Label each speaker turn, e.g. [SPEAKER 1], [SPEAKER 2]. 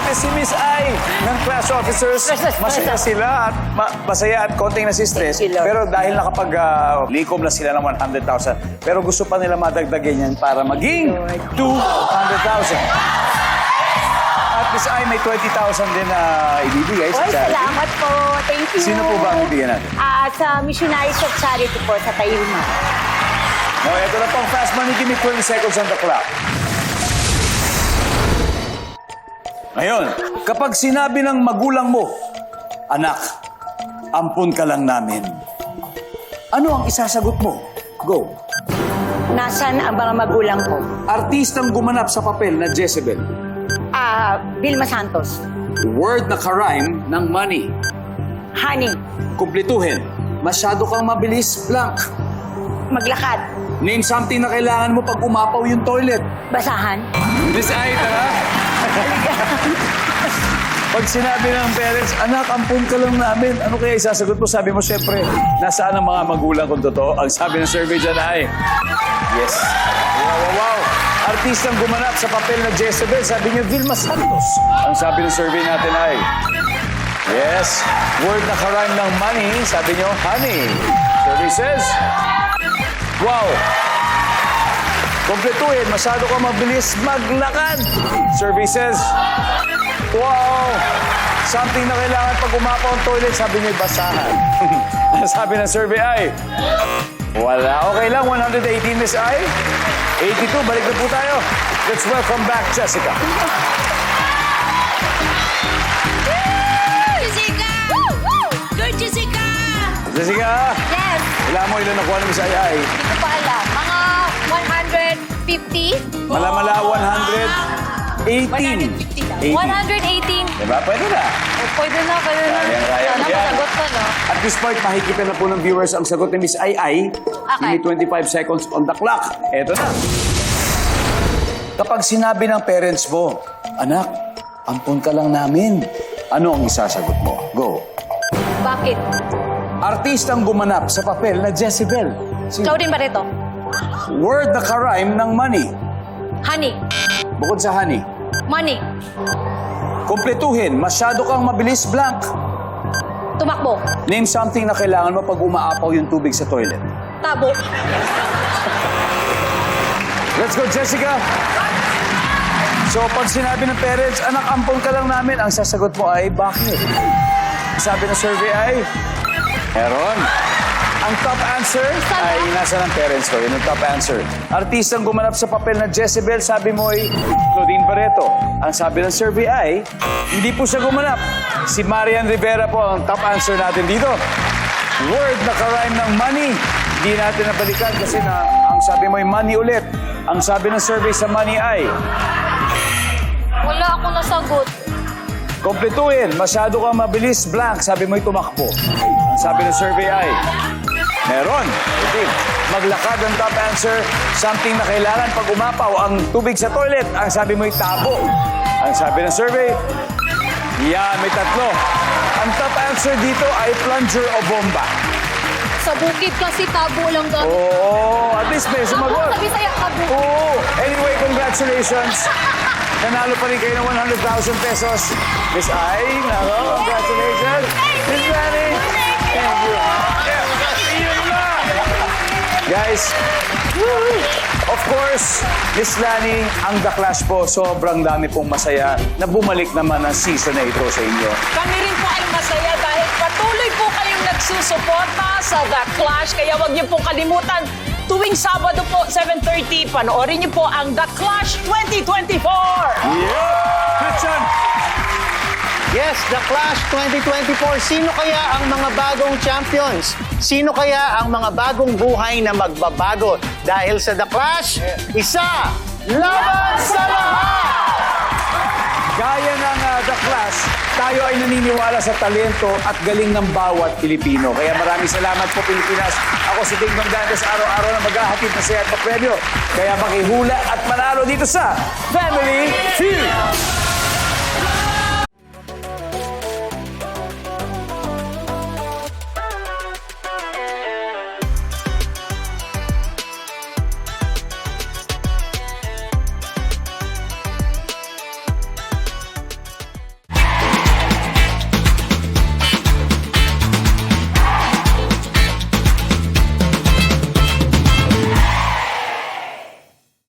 [SPEAKER 1] natin si Miss I ng class officers. Masaya sila at masaya at konting nasi-stress. Pero dahil nakapag-likom na sila ng 100,000, pero gusto pa nila madagdagan yan para maging 200,000. At Miss I, may 20,000 din na ibibigay sa
[SPEAKER 2] Oy,
[SPEAKER 1] charity.
[SPEAKER 2] salamat po. Thank you.
[SPEAKER 1] Sino po ba ang ibigyan natin?
[SPEAKER 2] Sa Missionaries of Charity po sa Tayuma.
[SPEAKER 1] No, ito na pong fast money. Give me 20 seconds on the clock. Ngayon, kapag sinabi ng magulang mo, anak, ampun ka lang namin. Ano ang isasagot mo? Go.
[SPEAKER 2] Nasaan ang mga magulang ko?
[SPEAKER 1] Artistang gumanap sa papel na Jezebel.
[SPEAKER 2] Vilma Santos.
[SPEAKER 1] Word na karime ng money.
[SPEAKER 2] Honey.
[SPEAKER 1] Kumplituhin. Masyado kang mabilis, blank.
[SPEAKER 2] Maglakad.
[SPEAKER 1] Name something na kailangan mo pag umapaw yung toilet.
[SPEAKER 2] Basahan.
[SPEAKER 1] Miss Ay, tara. Pag sinabi ng parents, anak, ampun ka lang namin, ano kaya isasagot mo? Sabi mo, syempre, nasaan ang mga magulang kung totoo? Ang sabi ng survey dyan ay, yes. Wow. Artistang gumanap sa papel na Jezebel, sabi niyo, Vilma Santos. Ang sabi ng survey natin ay, yes. Word na karime ng money, sabi niyo, honey. Survey says, wow. Kompletuhin, masyado ka mabilis maglakad. Survey says, wow. Something na kailangan pag umapaw ang toilet, sabi niyo, basahan. Sabi ng survey ay, wala. Okay lang, 118 Miss I. 82, balik na po tayo. Let's welcome back Jessica.
[SPEAKER 3] Jessica! Good, Jessica!
[SPEAKER 1] Jessica,
[SPEAKER 2] Yes.
[SPEAKER 1] wala mo ilan nakuha ng Miss Ay Ay.
[SPEAKER 3] Hindi ko pa alam. Mga 150?
[SPEAKER 1] Malamala, 118.
[SPEAKER 3] 150 lang. 118.
[SPEAKER 1] Diba? Pwede na.
[SPEAKER 3] Pwede na.
[SPEAKER 1] Kaya.
[SPEAKER 3] Sana masagot ko, no?
[SPEAKER 1] At this point, makikita na po ng viewers ang sagot ni Miss Ay Ay.
[SPEAKER 3] Okay.
[SPEAKER 1] Give me 25 seconds on the clock. Eto na. Kapag sinabi ng parents mo, anak, ampun ka lang namin, ano ang isasagot mo? Go.
[SPEAKER 3] Bakit?
[SPEAKER 1] Artistang gumanap sa papel na Jezebel.
[SPEAKER 3] Ikaw din ba rito?
[SPEAKER 1] Word na karime ng money.
[SPEAKER 3] Honey.
[SPEAKER 1] Bukod sa honey.
[SPEAKER 3] Money.
[SPEAKER 1] Kompletuhin, masyado kang mabilis, blank.
[SPEAKER 3] Tumakbo.
[SPEAKER 1] Name something na kailangan mo pag umaapaw yung tubig sa toilet.
[SPEAKER 3] Tabo.
[SPEAKER 1] Let's go, Jessica! So, pag sinabi ng parents, anak, ampon ka lang namin, ang sasagot mo ay, bakit? Sabi ng survey ay, meron. Ang top answer ay nasa ng parents ko. Yun ang top answer. Artistang gumanap sa papel na Jezebel, sabi mo ay Claudine Barreto. Ang sabi ng survey ay, hindi po siya gumanap. Si Marian Rivera po ang top answer natin dito. Word na karime ng money. Hindi natin nabalikan kasi ang sabi mo ay money ulit. Ang sabi ng survey sa money ay,
[SPEAKER 3] Wala akong nasagot.
[SPEAKER 1] kompletuhin, masyado kang mabilis, blank. Sabi mo'y tumakbo. Ang sabi ng survey ay, meron. Okay. Maglakad ang top answer. Something na kailangan pag umapaw ang tubig sa toilet. Ang sabi mo'y tabo. Ang sabi ng survey, yan, may tatlo. Ang top answer dito ay plunger o bomba.
[SPEAKER 3] Sa bukid kasi tabo lang daw.
[SPEAKER 1] Oo, at least may
[SPEAKER 3] Tabo,
[SPEAKER 1] sumagot.
[SPEAKER 3] sabi sa'yo, tabo.
[SPEAKER 1] Oo. Anyway, congratulations. Nanalo pa rin kayo ng 100,000 pesos. Miss Ai, nako, congratulations. Miss Lani, thank you. Yun na. Guys, of course, Miss Lani, ang The Clash po, sobrang dami pong masaya na bumalik naman ang season na ito sa inyo.
[SPEAKER 4] Kami rin po ay masaya dahil patuloy po kayong nagsusuporta sa The Clash. Kaya huwag niyo pong kalimutan, tuwing Sabado po, 7:30, panoorin niyo po ang The Clash 2024!
[SPEAKER 1] Yeah! Christian!
[SPEAKER 5] Yes, The Clash 2024. Sino kaya ang mga bagong champions? Sino kaya ang mga bagong buhay na magbabago? Dahil sa The Clash, isa, laban sa lahat!
[SPEAKER 1] Gaya ng The Clash, tayo ay naniniwala sa talento at galing ng bawat Pilipino. Kaya maraming salamat po, Pilipinas. Ako si Ding Dong Dantes, araw-araw na maghahatid na saya at papremyo. Kaya makihula at manalo dito sa Family Feud!